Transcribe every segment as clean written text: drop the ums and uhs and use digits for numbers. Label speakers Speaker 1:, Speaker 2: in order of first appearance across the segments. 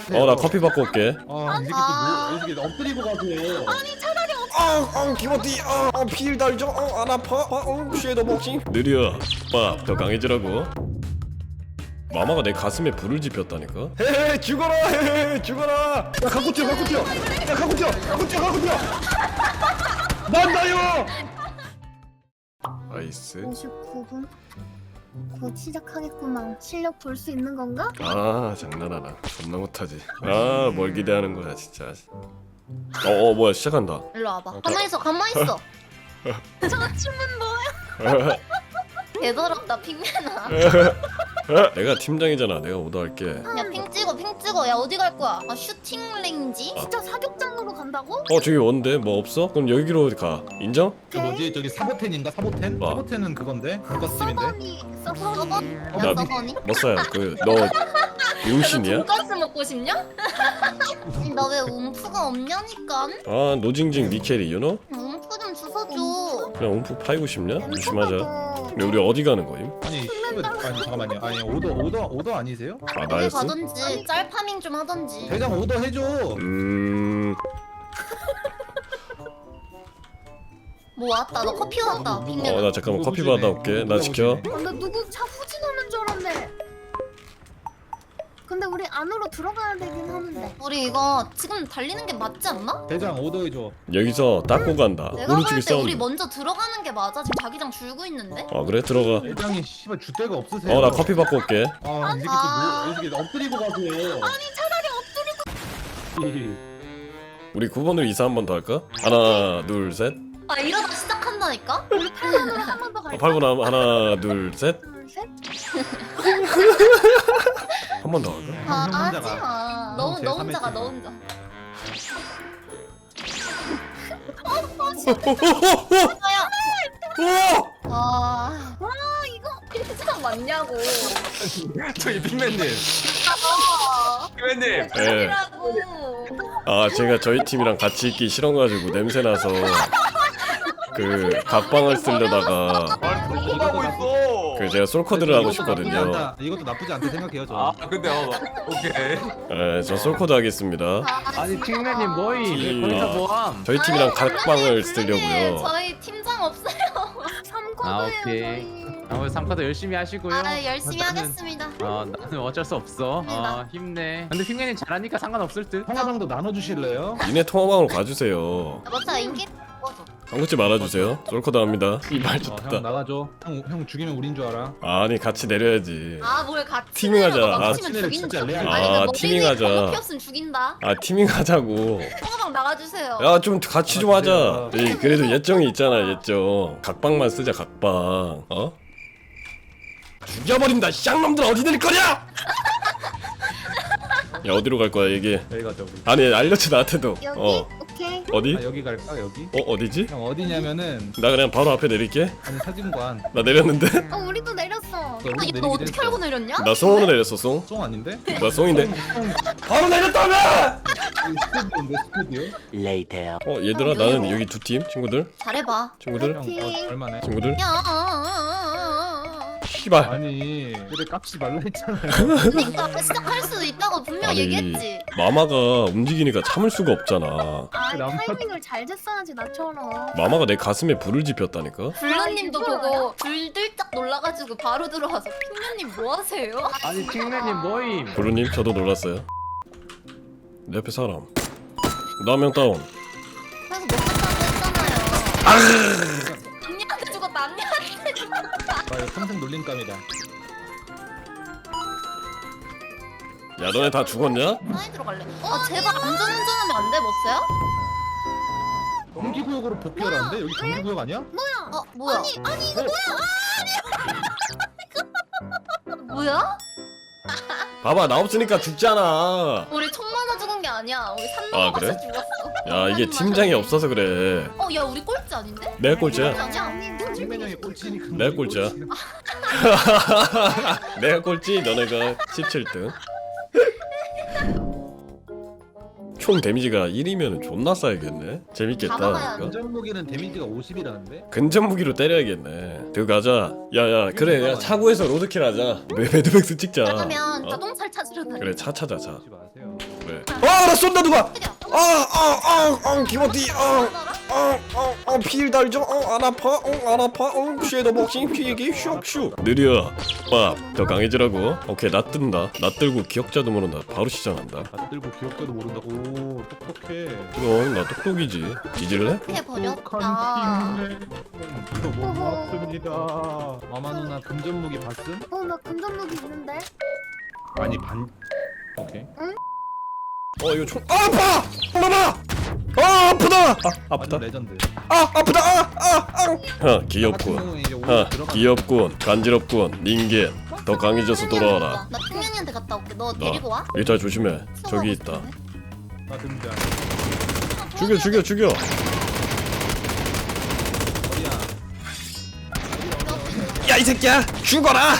Speaker 1: 나 커피 받고 올게.
Speaker 2: 이 새끼 이 새끼 엎드리고 가세요.
Speaker 1: 기모티. 필 달죠. 안 아파. 쉐더 복싱. 느려. 더 강해지라고. 마마가 내 가슴에 불을 지폈다니까. 헤헤 죽어라. 헤헤 죽어라. 야 갖고 뛰어. 야 갖고 뛰어. 난다요. 나이스.
Speaker 3: 59분? 곧 시작하겠구만. 실력 볼 수 있는 건가?
Speaker 1: 장난하나. 존나 못하지. 뭘 기대하는 거야 진짜. 뭐야 시작한다.
Speaker 4: 일로 와봐. 가만히 있어. 저 춤은 뭐야? 개더럽다 핑맨아.
Speaker 1: 내가 팀장이잖아. 내가 오더할게.
Speaker 4: 야 핑 찍어. 야 어디 갈 거야? 슈팅 레인지?
Speaker 3: 진짜 사격장으로 간다고?
Speaker 1: 저기 원데 뭐 없어? 그럼 여기로 가. 인정?
Speaker 2: 그 뭐지 저기 사보텐인가 사보텐?
Speaker 1: 와.
Speaker 2: 사보텐은 그건데 돈가스집인데.
Speaker 3: 서버니
Speaker 4: 야
Speaker 1: 나-
Speaker 4: 서버니?
Speaker 1: 머싸야 너 용신이야?
Speaker 4: 돈가스 먹고 싶냐? 너 왜 움프가 없냐니까?
Speaker 1: 노징징 니켈이 유노?
Speaker 4: 움프 좀 주워줘.
Speaker 1: 그냥 움프 파이고 싶냐? 조심하자. 근데 우리 어디 가는 거임?
Speaker 2: 아니 잠깐만요. 아니 오더 아니세요?
Speaker 4: 어디
Speaker 1: 나였어?
Speaker 4: 가든지 짤 파밍 좀 하든지.
Speaker 2: 대장 오더 해줘.
Speaker 4: 뭐 왔다. 너 커피 왔다. 핑맨아.
Speaker 1: 나 잠깐만 커피 받아올게. 나 지켜.
Speaker 3: 나 누구 차 후진하는 줄 알았네. 근데 우리 안으로 들어가야 되긴 하는데.
Speaker 4: 우리 이거 지금 달리는 게 맞지 않나?
Speaker 2: 대장 오더 해줘.
Speaker 1: 여기서 닦고 간다.
Speaker 4: 내가
Speaker 1: 오른쪽에
Speaker 4: 볼 때 우리
Speaker 1: 싸운다.
Speaker 4: 먼저 들어가는 게 맞아. 지금 자기장 줄고 있는데.
Speaker 1: 그래 들어가.
Speaker 2: 대장이 씨발 줏대가 없으세요.
Speaker 1: 나 커피 받고 올게.
Speaker 2: 이 새끼 엎드리고 가세요. 아니 차라리 엎드리고.
Speaker 1: 우리 9번으로 이사 한 번 더 할까? 하나 둘 셋.
Speaker 4: 이러다 시작한다니까?
Speaker 3: 우리 8번으로 한 번 더 갈까?
Speaker 1: 8번 하나 둘 셋.
Speaker 3: 둘, 셋?
Speaker 1: 한 번 더 할까?
Speaker 4: 하지
Speaker 2: 혼자가.
Speaker 4: 마.
Speaker 2: 형 제일
Speaker 4: 너 혼자가
Speaker 2: 삼했지.
Speaker 4: 너 혼자. 와 이거 필장 맞냐고.
Speaker 2: 저기 빅맨님. 빅맨님.
Speaker 1: 예.
Speaker 4: 라고.
Speaker 1: 제가 저희 팀이랑 같이 있기 싫어가지고 냄새나서 그 각방을 쓰려다가
Speaker 5: 뭐 하고 있어?
Speaker 1: 제가 솔코드를 하고 싶거든요.
Speaker 2: 이것도 나쁘지 않다 생각해요 저.
Speaker 5: 근데 오케이.
Speaker 1: 저 솔코드 하겠습니다.
Speaker 5: 아니 핑맨님 뭐임? 거기서 뭐함?
Speaker 1: 저희 팀이랑 각방을
Speaker 4: 네,
Speaker 1: 쓰려고요.
Speaker 4: 저희 팀장 없어요.
Speaker 3: 3코드예요
Speaker 5: 오케이. 오늘 3카드 열심히 하시고요.
Speaker 4: 열심히 하겠습니다.
Speaker 5: 나는 어쩔 수 없어. 힘내. 근데 핑맨님 잘하니까 상관없을 듯.
Speaker 2: 통화방도 나눠주실래요?
Speaker 1: 니네 통화방으로 가주세요.
Speaker 4: 맞아 인기 먹어줘.
Speaker 1: 한국지 말아주세요. 솔코드 합니다. 이말
Speaker 2: 형
Speaker 1: 좋다.
Speaker 2: 나가줘. 형 죽이면 우린 줄 알아.
Speaker 1: 아니 같이 내려야지.
Speaker 4: 뭘 같이
Speaker 1: 티밍하자.
Speaker 4: 내려. 너
Speaker 1: 아,
Speaker 4: 빡치면 죽이는
Speaker 2: 진짜
Speaker 4: 척.
Speaker 2: 레알.
Speaker 4: 아니 나
Speaker 1: 티밍하자.
Speaker 4: 머리에 없으면 죽인다.
Speaker 1: 티밍하자고.
Speaker 4: 통화방 나가주세요.
Speaker 1: 야 좀 같이 좀 하자. 그래도 예정이 있잖아 예정. 각방만 쓰자 각방. 죽여버린다. 쌍놈들 어디 낼 거냐? 야 어디로 갈 거야 얘기.
Speaker 2: 여기 가자 우리.
Speaker 1: 아니 알려줘 나한테도.
Speaker 3: 여기? 오케이.
Speaker 1: 어디?
Speaker 2: 여기 갈까 여기?
Speaker 1: 어디지?
Speaker 2: 형 어디냐면은
Speaker 1: 나 그냥 바로 앞에 내릴게.
Speaker 2: 아니 사진관.
Speaker 1: 나 내렸는데?
Speaker 3: 우리도 내렸어.
Speaker 2: 우리도
Speaker 4: 너 어떻게
Speaker 2: 내리기로
Speaker 4: 알고
Speaker 2: 했어.
Speaker 4: 내렸냐?
Speaker 1: 나 송으로 내렸어 송.
Speaker 2: 송 아닌데?
Speaker 1: 나 송인데. 바로 내렸다며!
Speaker 2: 스튜디오인데 스튜디오?
Speaker 1: 얘들아 나는 여기 두 팀 친구들.
Speaker 4: 잘해봐.
Speaker 1: 친구들.
Speaker 2: 형 얼마네?
Speaker 1: 친구들.
Speaker 4: 야.
Speaker 1: 씨발.
Speaker 2: 아니 그래 깝지 말라 했잖아요.
Speaker 4: 그러니까 시작할 수도 있다고 분명
Speaker 1: 아니
Speaker 4: 얘기했지.
Speaker 1: 마마가 움직이니까 참을 수가 없잖아.
Speaker 3: 타이밍을 잘 쟀어야지 나처럼.
Speaker 1: 마마가 내 가슴에 불을 지폈다니까.
Speaker 4: 블루님도 보고 들들짝 놀라가지고 바로 들어와서 핑맨님 뭐 하세요?
Speaker 5: 아니 핑맨님 뭐임?
Speaker 1: 브루님 저도 놀랐어요. 내 옆에 사람. 나 한 명 다운.
Speaker 4: 그래서 못 갔다고 했잖아요. 언니한테 죽었다. 언니한테 죽었다.
Speaker 2: 나 이거 평생 놀림감이다.
Speaker 1: 야 너네 다 죽었냐?
Speaker 4: 사이 들어갈래. 제발 안전운전하면 안 돼, 머스야?
Speaker 2: 경기구역으로 복귀하라는데? 여기 경기구역 아니야?
Speaker 4: 뭐야?
Speaker 3: 아니 이거
Speaker 4: 뭐야?
Speaker 1: 봐봐 나 없으니까 죽잖아.
Speaker 4: 우리 총 맞아 죽은 게 아니야. 우리 산넘어
Speaker 1: 그래?
Speaker 4: 가서 죽었어.
Speaker 1: 야 이게 팀장이 없어서 그래.
Speaker 4: 야 우리 꼴찌 아닌데?
Speaker 1: 내가 꼴찌야.
Speaker 4: 아니야.
Speaker 2: 빅맨 형이 꼴찌니까.
Speaker 1: 내가 꼴찌야. 내가 꼴찌 너네가 17등. 총 데미지가 1이면 존나 쌓이겠네. 재밌겠다.
Speaker 4: 다 먹어야
Speaker 1: 이거.
Speaker 2: 안전 무기는 데미지가 50이라는데?
Speaker 1: 근접 무기로 때려야겠네. 들고 가자. 야야 그래 야 차고에서 로드킬 하자. 매드맥스 찍자.
Speaker 4: 그러면
Speaker 1: 어?
Speaker 4: 자동차를 찾으러 다녀.
Speaker 1: 그래 차 찾아 차.
Speaker 2: 하지 마세요.
Speaker 1: 그래. 나 쏜다 누가. 기모티. 필 달죠. 안 아파. 안 아파. 쉐더 복싱 피기 슉슉. 느려. 더 강해지라고. 오케이 나 뜬다. 나 들고 기억자도 모른다. 바로 시작한다.
Speaker 2: 다 들고 기억자도 모른다고. 오, 똑똑해.
Speaker 1: 그럼 나 똑똑이지. 뒤질래?
Speaker 4: 해버렸다.
Speaker 2: 이거 못 맞습니다. 마마 누나 금전 무기 봤음?
Speaker 3: 나 금전무기 있는데.
Speaker 2: 아니 반. 오케이.
Speaker 1: 이거 총. 아파. 마마. 아프다. 아프다.
Speaker 2: 완전 레전드.
Speaker 1: 아프다. 귀엽군.
Speaker 2: 같은 경우는 이제 오히려 들어가.
Speaker 1: 귀엽군. 간지럽군. 닌겐. 더 강해져서 돌아와라.
Speaker 4: 나 핑맨이한테 갔다 올게. 너 데리고 와.
Speaker 1: 일단 조심해. 저기 있다.
Speaker 2: 나 등장.
Speaker 1: 죽여.
Speaker 2: 어디야?
Speaker 1: 야 이 새끼야 죽어라.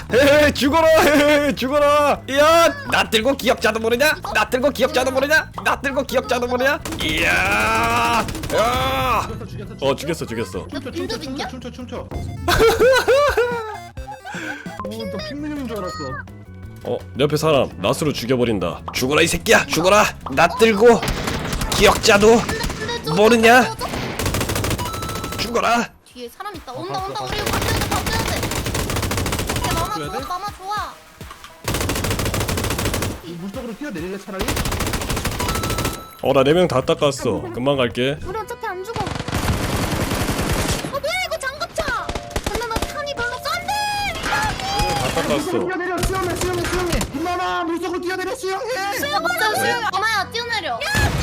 Speaker 1: 죽어라. 나 들고 기억자도 모르냐. 나 들고 기억자도 모르냐. 이야. 죽였어.
Speaker 4: 빈두빈냐?
Speaker 2: 춤춰. 너 핑맨인 줄 알았어.
Speaker 1: 내 옆에 사람 낫으로 죽여버린다. 죽어라 이 새끼야. 죽어라. 나 들고 기억자도 모르냐. 죽어라.
Speaker 4: 뒤에 사람 있다. 온다. 우리 이거 바꿔야 돼. 오케이, 마마
Speaker 2: 바꿔야 돼?
Speaker 4: 좋아. 마마 좋아.
Speaker 2: 물속으로 뛰어내릴래 차라리?
Speaker 1: 나 4명 다 닦았어. 금방 갈게.
Speaker 3: 우리 어차피 안 죽어. 뭐야 이거 장갑차. 근데 나 탄이 별로 싼데.
Speaker 1: 다 닦았어.
Speaker 2: 뛰어내려 수영해. 김마마 물속으로 뛰어내려 수영해.
Speaker 4: 마마야 뛰어내려.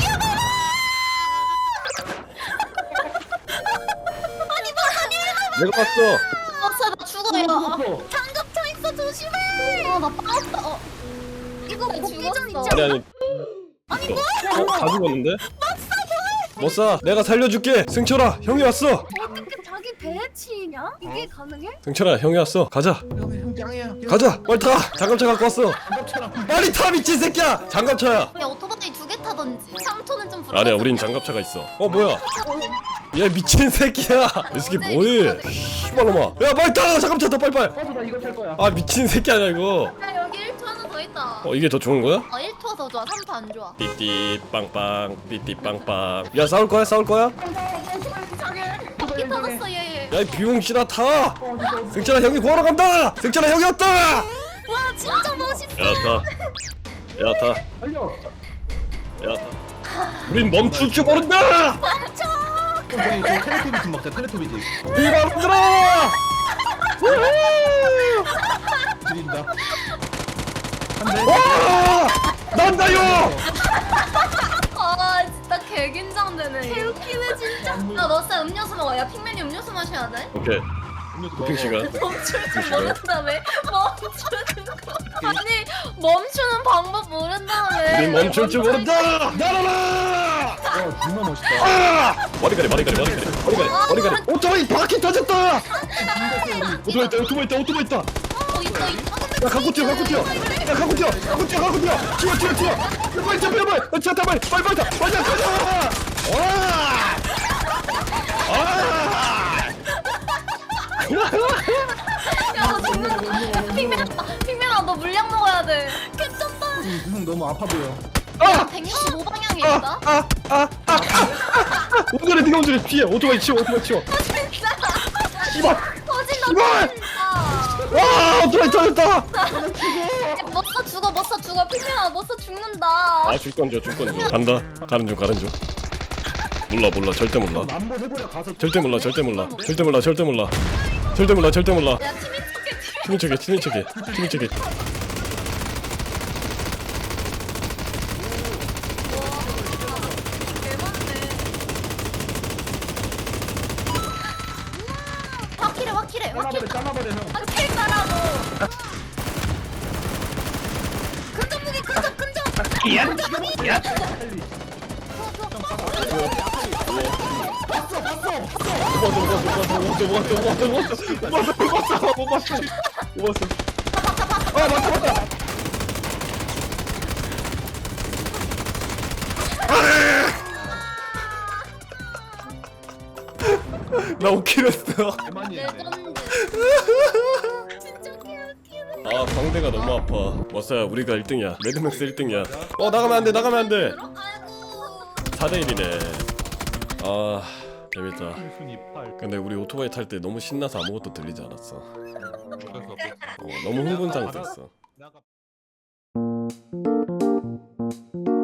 Speaker 1: 내가 봤어.
Speaker 4: 나 죽어 이거.
Speaker 3: 장갑차 있어 조심해.
Speaker 4: 나 빠졌다.
Speaker 3: 이거 복귀 전 있지
Speaker 1: 아니
Speaker 3: 않아?
Speaker 1: 아니 다 죽었는데? 못 쏴. 내가 살려줄게. 승철아 형이 왔어.
Speaker 3: 어떻게 자기 배에 치이냐? 이게 가능해?
Speaker 1: 승철아 형이 왔어. 가자.
Speaker 2: 형 짱이야.
Speaker 1: 가자. 빨리 타. 장갑차 갖고 왔어.
Speaker 2: 장갑차랑.
Speaker 1: 빨리 타 미친 새끼야. 장갑차야.
Speaker 4: 야 오토바이 2개 타던지. 3톤은 좀 불안해.
Speaker 1: 아니야 우린 장갑차가 있어. 뭐야? 얘 미친 새끼야. 이 새끼 뭐해? 씨발놈아. 야 빨리 타. 장갑차 타 빨리.
Speaker 2: 나 이거 탈 거야.
Speaker 1: 미친 새끼 아니야 이거.
Speaker 4: 야 여기 1초 하나 더 있다.
Speaker 1: 이게 더 좋은 거야?
Speaker 4: 1토가 더 좋아. 3토 안 좋아.
Speaker 1: 띠띠 빵빵 띠띠 빵빵. 야 싸울 거야?
Speaker 4: 바퀴 터졌어 얘.
Speaker 1: 야 이 비용신아 타. 승철아 형이 구하러 간다. 승철아 형이 왔다.
Speaker 3: 와 진짜 멋있어.
Speaker 1: 야 타.
Speaker 2: 달려.
Speaker 1: 우린 멈출 줄 모른다.
Speaker 2: 저기 저 텔레토비즈 먹자. 텔레토비즈.
Speaker 1: 비만들어.
Speaker 2: 드린다. 한대.
Speaker 1: 와! 난다요.
Speaker 4: 진짜 개 긴장되네. 개 웃기네 진짜. 야너 쌤 음료수 먹어. 야 핑맨이 음료수 마셔야 돼.
Speaker 1: 오케이. 도핑 시간.
Speaker 4: 멈출 줄 모른다며. 멈추는 거. 아니 멈추는 방법 모른다며.
Speaker 1: 우린 멈출 줄 모른다. 날아라.
Speaker 2: 정말 멋있다.
Speaker 1: 머리카락. 오토바이 바퀴 터졌다. 오토바이 있다.
Speaker 4: 있다.
Speaker 1: 야 갖고 뛰어. 뛰어. 빨리 차 타. 빨리 가자.
Speaker 4: 핑맨아 너 물량 먹어야 돼. 괜찮다.
Speaker 2: 형 너무 아파 보여.
Speaker 4: 야 165방향에 있다.
Speaker 1: 운전해 네가 운전해. 피해. 오토바이 치워.
Speaker 4: 진짜.
Speaker 1: 씨발.
Speaker 4: 터진다.
Speaker 1: 이발!
Speaker 4: 터진다.
Speaker 1: 오토바이 터졌다.
Speaker 4: 못써 죽어. 핑맨아 못써 죽는다.
Speaker 1: 줄 건져. 간다. 가는 중. 몰라. 절대 몰라.
Speaker 2: 한번 해보려 가서.
Speaker 1: 절대 몰라.
Speaker 4: 야
Speaker 1: 티민 척해.
Speaker 4: 확실해.
Speaker 2: 까마버려 형.
Speaker 4: 확실히 따라고.
Speaker 1: 못 봤어. 맞다. 나 5킬 했어.
Speaker 2: 대만이.
Speaker 4: 레전드.
Speaker 3: 진짜 개웃기네.
Speaker 1: 아 광대가 너무 아파. 머싸야 우리가 1등이야. 매드맥스 1등이야. 나가면 안돼 나가면 안돼.
Speaker 4: 아이고.
Speaker 1: 4대1이네. 아 재밌다.
Speaker 2: 순위 8.
Speaker 1: 근데 우리 오토바이 탈 때 너무 신나서 아무것도 들리지 않았어.
Speaker 2: 그래서
Speaker 1: 너무 흥분 상태였어.
Speaker 2: 나가